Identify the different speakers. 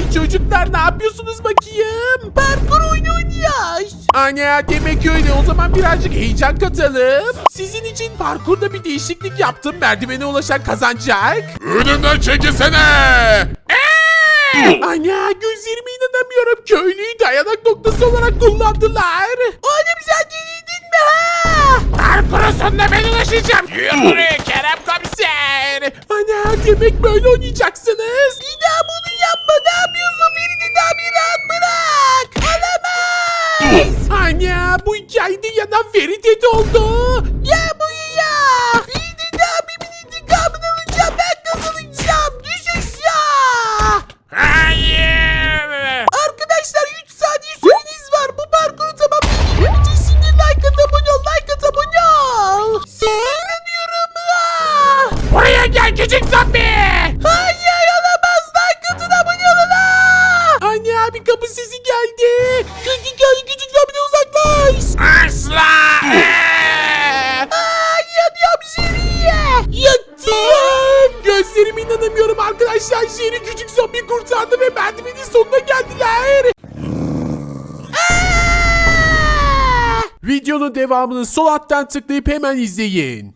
Speaker 1: çocuklar ne yapıyorsunuz bakayım?
Speaker 2: Parkur oyunu oynuyoruz.
Speaker 1: Ana demek öyle, o zaman birazcık heyecan katalım. Sizin için parkurda bir değişiklik yaptım. Merdivene ulaşan kazanacak.
Speaker 3: Önümden çekilsene.
Speaker 1: Ana gözlerime inanamıyorum. Köylüyü dayanak noktası olarak kullandılar.
Speaker 2: Oğlum sen yenildin mi ha?
Speaker 1: Parkurun sonuna ben ulaşacağım. Yürü buraya Kerem komiser. Ana demek böyle oynayacaksınız.
Speaker 2: Bir daha bunu yapma. Ne yapıyorsun? Beni daha bir rahat bırak. Olamaz.
Speaker 1: Ana bu hikayede yanan Ferit oldu.
Speaker 2: Ya bu ya. Bir daha abimin intikamını alacağım. Ben kazanacağım. Düşüş ya.
Speaker 1: Hayır.
Speaker 2: Arkadaşlar 3 saniye süreniz var. Bu parkuru tamamlayabilmem için şimdi like at, abone ol. Like at, abone ol. Size inanıyorum ha.
Speaker 1: Buraya gel küçük zombi.
Speaker 2: Hayır olamaz. Like atın, abone olun ha.
Speaker 1: Anne bir kapı sesi geldi.
Speaker 2: Küçük zombi'den uzaklaş.
Speaker 1: Asla.
Speaker 2: Yanıyorum Jerry'e. Yattım.
Speaker 1: Gözlerime inanamıyorum arkadaşlar. Şehri küçük zombi kurtardı ve merdivenin sonuna geldiler. Videonun devamını sol alttan tıklayıp hemen izleyin.